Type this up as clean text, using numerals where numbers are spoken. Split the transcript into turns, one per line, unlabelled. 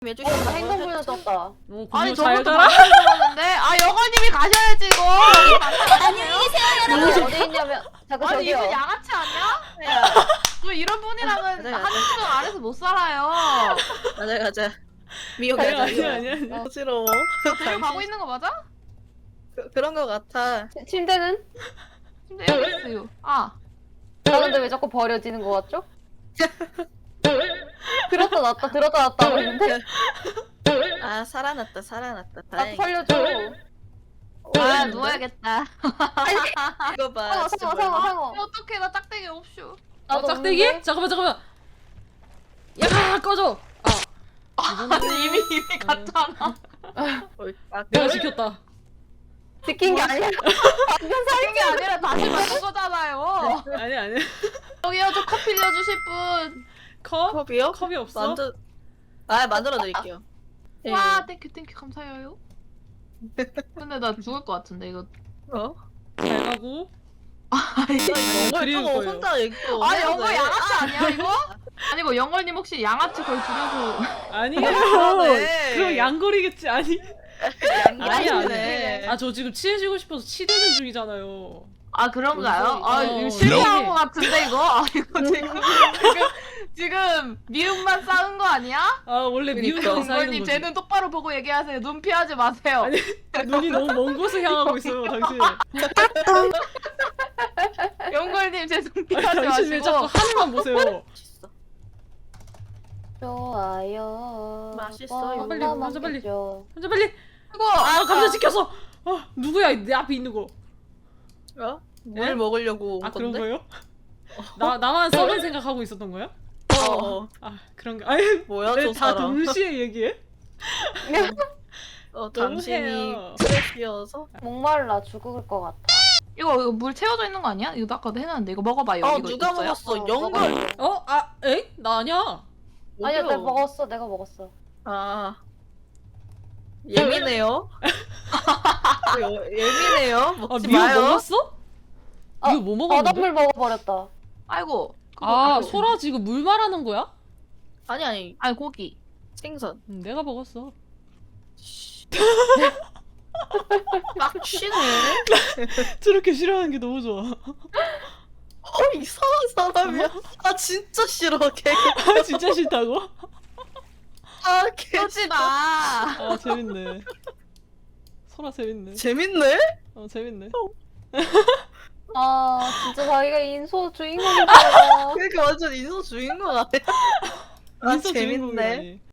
해주시면
나 행동불능 떴다.
아니
잘
저것도
가라.
만들었는데 아 영월님이 가셔야지 이거.
안녕히 계세요.
어디 있냐면 자꾸
아니
저기요.
이분 양아치 아니야? 뭐 이런 분이랑은
맞아, 맞아.
한 시간 안에서 못 살아요.
가자 가자. 미호
아니
가자.
아니.
어지러워.
가고 있는 거 맞아?
그런 거 같아.
침대는?
근데 여기 있어요. 아
나 근데 왜 자꾸 버려지는 거 같죠? 들었다 놨다 들었다 놨다 그러는데?
아 살아났다 살아났다.
나
다행이다.
살려줘.
아 누워야겠다.
이거 봐. 진짜
상어
뭐야.
상어 상어.
어떡해 나 짝대기 없슈.
나도
짝대기?
없는데?
잠깐만. 야 꺼져.
아니 이미 갔잖아.
내가 지켰다.
지킨 게 아니라 방금
사는 게 아니라 다시 만든 거잖아요.
아니.
여기요 저 커피 내어주실 분.
컵?
컵이요?
컵이 없어?
만들. 아 만들어 드릴게요. 예.
와 땡큐 감사해요. 근데 나 죽을 것 같은데 이거.
어?
잘 가고.
이거
그리울
저거
거예요.
혼자 이거.
아 영월 양아치 아니야 이거? 아니고 영월님 혹시 양아치 거의 줄여서.
아니에요.
그러네.
그럼 양거리겠지. 아니.
양이네.
아 저 지금 친해지고 싶어서 치대는 중이잖아요.
아 그런가요? 아
어.
이거 실패한 것 같은데 이거? 아 이거 지금 미움만 쌓은 거 아니야?
아 원래 미운
그러니까.
건 쌓이는
영월님
거지.
제 눈 똑바로 보고 얘기하세요. 눈 피하지 마세요.
아니 눈이 너무 먼 곳을 향하고 있어요 당신.
영월님 제 눈 피하지
당신 왜 자꾸
마시고.
하늘만 보세요.
맛있어.
좋아요.
맛있어요.
빨리,
뻔뻔
먼저 빨리.
먹겠죠.
먼저 빨리.
이거
아 감자 지켰어. 누구야 내 앞에 있는 거.
어? 물
예?
먹으려고 온
아 그런
건데?
거요? 나만 썩은 생각하고 있었던 거야?
어.
아 그런가? 아니
뭐야
왜
저
다
사람?
동시에 얘기해?
당신이
너무해요.
트래시여서?
목말라 죽을 것 같아.
이거 물 채워져 있는 거 아니야? 이거 아까도 해놨는데 이거 먹어봐요. 이거
누가
있어요?
먹었어? 영걸.
에이? 나 아니야.
아니야
어디요?
내가 먹었어.
아 예민해요. 예민해요. 먹지
미호
마요.
먹었어?
아,
이거 뭐 먹었는데?
바닷물 먹어버렸다.
아이고.
아 소라 지금 물 말하는 거야?
아니
아니 고기.
생선.
내가 먹었어.
막 쉬네.
저렇게 싫어하는 게 너무 좋아.
이상한 사람이야. 아 진짜 싫어 걔.
아 진짜 싫다고?
걔
쏘지 마.
아 재밌네. 소라 재밌네.
재밌네.
재밌네.
아 진짜 자기가 인소 주인공이잖아.
그러니까 완전 인소 주인공 같아. 아
인싸
재밌네.
주인공이라니.